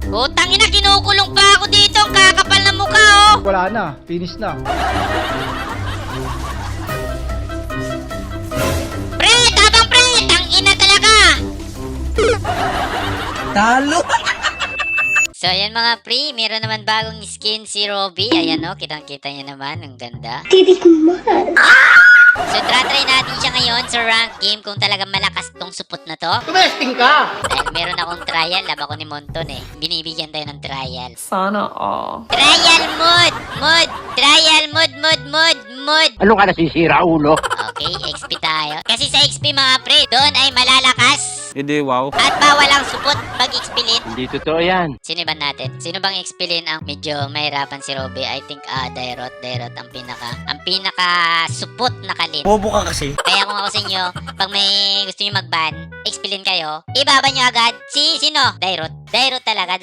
Utang ina, kinukulong pa ako dito. Ang kakapal na mukha, oh. Wala na, finish na. Pre, tabang pre. Tangina talaga. Talo! So, ayan mga pre, meron naman bagong skin si Robby. Ayan o, kitang-kita niya naman. Ang ganda. Titik man. So, try natin siya ngayon sa rank game kung talagang malakas tong supot na to. Tumesting ka! Dahil meron akong trial, lab ako ni Monton eh. Binibigyan tayo ng trial. Sana all. Trial mode! Trial mode! Ano ka nasisira, ulo? Okay, XP tayo. Kasi sa XP mga pre, doon ay malalakas. Hindi, wow. At bawal ang supot pag XP-lin. Hindi totoo yan. Sino ba natin? Sino bang XP-lin ang medyo mahirapan si Robby? I think Dairot ang pinaka supot na kalin. Bobo ka kasi. Kaya kung ako sa inyo, pag may gusto nyo mag-ban, XP-lin kayo, ibaba nyo agad sino? Dairot talaga.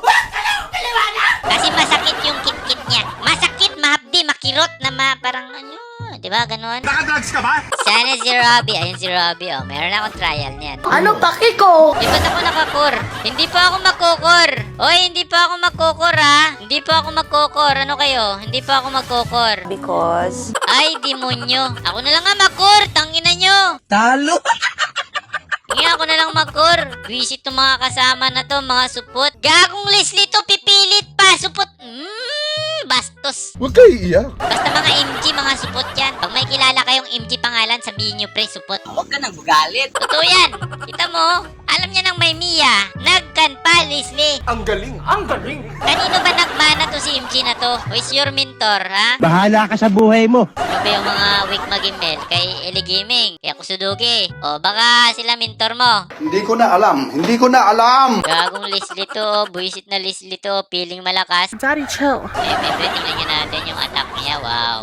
Kasi masakit yung kit-kit niya. Masakit, mahapdi, makirot na parang ano, di ba ganon? Nakadrugs ka ba? Sana si Robby. Ayun si Robby, oh. Meron akong trial niyan. Ano paki ko? Di ba't ako nakakor? Hindi pa ako makokor. Oy, hindi pa ako makokor, ha? Hindi pa ako makokor. Ano kayo? Hindi pa ako makokor. Because... Ay, demonyo. Ako na lang nga makor. Tangina nyo. Talo! Ngayon ako na lang makor. Visit to mga kasama na to, mga supot. Gagong Leslie to, pipilit pa. Supot. Bastos. Huwag kayo iiyak. Basta mga MG, mga supot yan. Pag may kilala kayong MG pangalan, sabihin nyo, pre, supot. Huwag ka nang magalit. Totoo yan. Kita mo, alam niya ng may Mia. Nagkan pa, Leslie. Ang galing! Ang galing! Kanino ba nagmana to si MG na to? Who is your mentor, ha? Bahala ka sa buhay mo. Ano ba yung mga weak mag-email kay Eli Gaming? Kaya Kusudugi? O baka sila mentor mo? Hindi ko na alam. Gagong Leslie to, buisit na Leslie to, feeling malakas. Daddy, chill. Siyempre, tingnan nyo natin yung attack niya.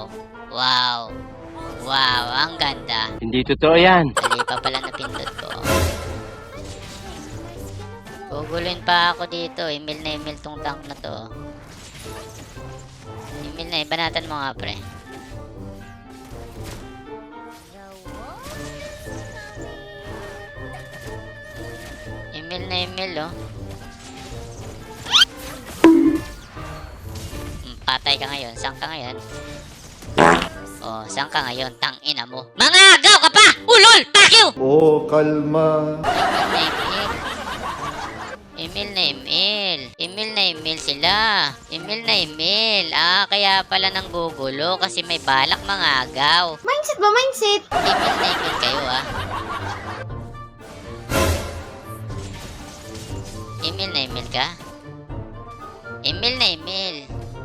Wow, ang ganda. Hindi totoo yan. Mali pa pala napindot ko. Gugulin pa ako dito. Email na email tong tank na to. Email na, ibanatan mo nga pre. Email na email oh. Patay ka ngayon. Saan ka ngayon? Oh, saan ka ngayon? Tangina mo. Mga agaw ka pa! Ulol! Fuck you! Oh, kalma. Email na email sila. Email na email. Kaya pala nang gugulo kasi may balak mga agaw. Mindset ba? Mindset? Email na email kayo Email na email ka? Email na email.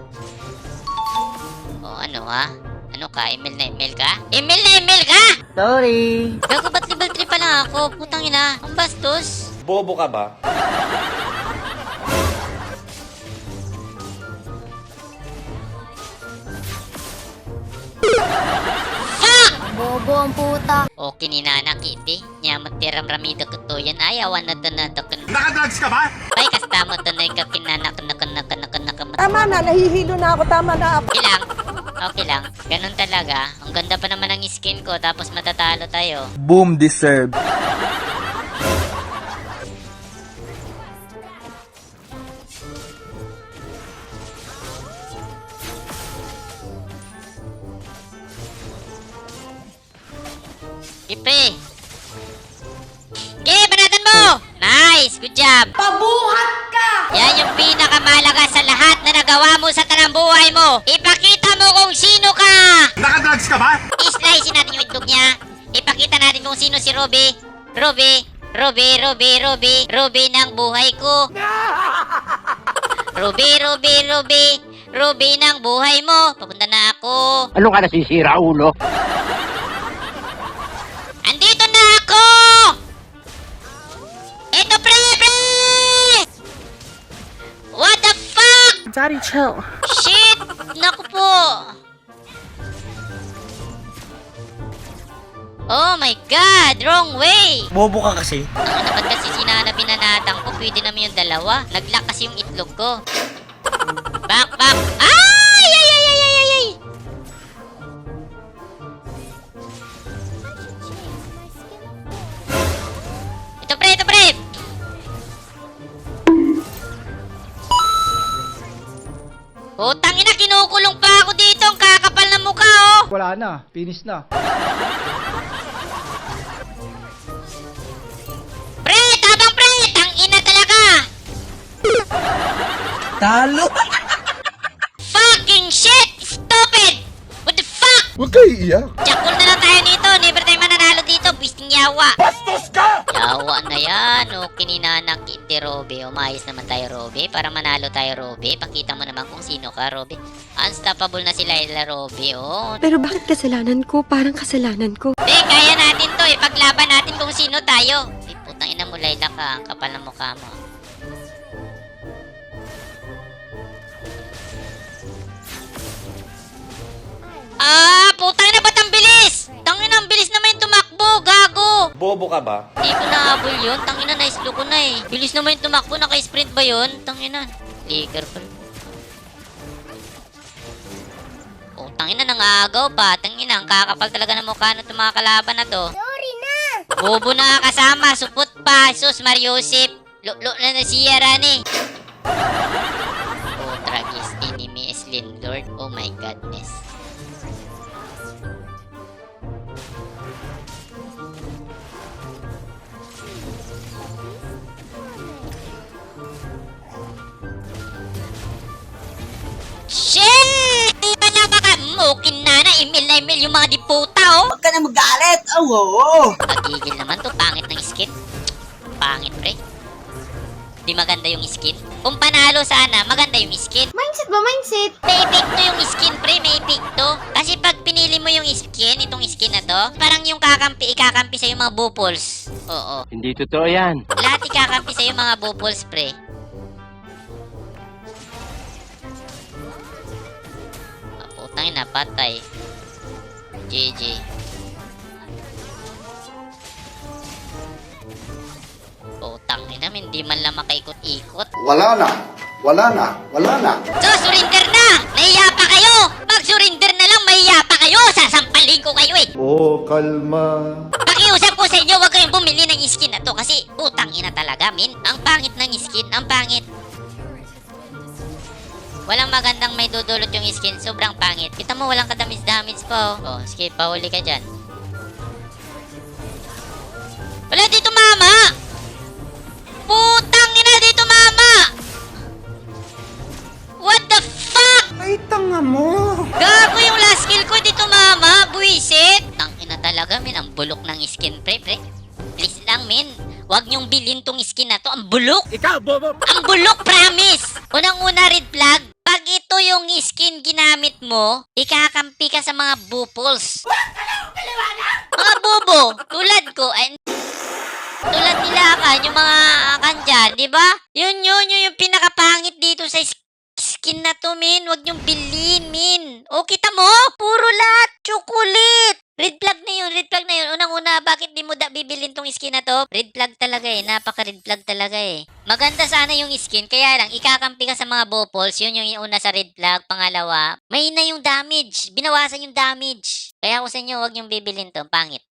O ano Ano ka? Email na email ka? Email na email ka? Sorry. Gago, ba't level 3 pa lang ako? Putang ina. Ang bastos. Bobo ka ba? Bobo ang puta. O kininana kiti. Nyamat tiram ramido ko to yan. Ayawan na to na to. Nakadrugs ka ba? Ay, kastamo to na ikakinana ka. Tama na, nahihilo na ako. Tama na. Okay lang. Ganun talaga. Ang ganda pa naman ng skin ko. Tapos matatalo tayo. Boom deserve. Ipe! Okay, banatan mo! Nice! Good job! Pabuhat ka! Yan yung pinakamalaga sa lahat na nagawa mo sa tanang buhay mo. Ipakita mo kung sino ka! Nakadrugs ka ba? I-slice natin yung itlog niya. Ipakita natin kung sino si Robby. Robby ng buhay ko. Robby ng buhay mo. Papunta na ako. Ano ka nasisira, ulo? Andito na ako! Eto, pre! What the fuck? Daddy, chill. Shit! Naku po! Oh my God! Wrong way! Bobo ka kasi. Ang naman kasi sinana binanatang ko, pwede naman yung dalawa. Naglock kasi yung itlog ko. Back! Ay! Ito pre! Putang ina, kinukulong pa ako dito. Ang kakapal ng mukha, oh. Wala na, finish na. Pre, tabang pre. Tang ina talaga. Talo! Fucking shit. Stupid. What the fuck? Huwag kayo iiyak. Jakul na lang tayo nito. Never tayo mananalo dito. Bisting yawa. Bastos ka! Yawa na yan. O, kininanakit ni Robby. Umayos naman tayo, Robby. Para manalo tayo, Robby. Pakita mo naman kung sino ka, Robby. Unstoppable na sila, Robby. Oh. Pero bakit kasalanan ko? Parang kasalanan ko. Kaya natin to. Ipaglaban natin kung sino tayo. Ay, putang ina mo, Layla ka. Ang kapal ng mukha mo. Putang ina, ba't ang bilis? Tangina, ang bilis naman yung tumakbo, gago. Bobo ka ba? Hindi ko nahabol yun. Tangina, na-slow ko na eh. Bilis naman yung tumakbo. Naka-sprint ba yun? Tangina. Flicker pa. Oh, tangina, nangagaw pa. Tangina, ang kakapal talaga ng mukha ng mga kalaban na to. Sorry na. Bobo na kasama. Supot pa. Sus, Mariusip. Lo na siya, Rani. Oh, Tragis. Enemy is Lindlord. Oh my godness. Shit! Di ba na baka okay na email yung mga diputa, oh. Huwag ka na magalit! Oh, oo! Pagigil naman to, pangit ng skin. Pangit, pre. Di maganda yung skin. Kung panalo sana, maganda yung skin. Mindset ba, mindset? May epekto yung skin, pre. May epekto. Kasi pag pinili mo yung skin, itong skin na to, parang yung ikakampi sa'yo mga bupols. Oo. Hindi totoo yan. Lahat ikakampi sa'yo mga bupols, pre. Putang ina, patay. GG. Putang ina, hindi man lang makaikot-ikot. Wala na. Wala na. Wala na. So, surrender na! Nahiya pa kayo! Mag-surrender na lang, mahiya pa kayo! Sasampalin ko kayo eh! Oh, kalma. Pakiusap ko sa inyo, huwag kayong bumili ng skin na to kasi putang ina talaga, min. Ang pangit ng skin, ang pangit. Walang magandang may dudulot yung skin, sobrang pangit. Kita mo, walang kadamis-damage po. Oh, sige, pahuli ka dyan. Wala dito, mama! Putang ina dito, mama! What the fuck? Ay, tanga mo! Gago yung last kill ko dito, mama! Buisit! Tang ina talaga, min. Ang bulok ng skin, pre. Please lang, min. Huwag niyong bilhin tong skin na to. Ang bulok! Ikaw, bobo! Ang bulok, promise! Unang-una, red flag. Pag ito yung skin ginamit mo, ikakampi ka sa mga bupols. Mga bubo, tulad ko, tulad nila kan, yung mga kan dyan, di ba? Yun yung pinakapangit dito sa skin na to, min. Huwag niyong bilhin, min. O, kita mo? Puro lahat, chocolate. Red flag na yun. Unang-una, bakit di mo bibilin tong skin na to? Red flag talaga eh. Napaka-red flag talaga eh. Maganda sana yung skin, kaya lang, ikakampi ka sa mga bupols. Yun yung una sa red flag. Pangalawa, may na yung damage. Binawasan yung damage. Kaya ako sa inyo, huwag yung bibilin to. Pangit.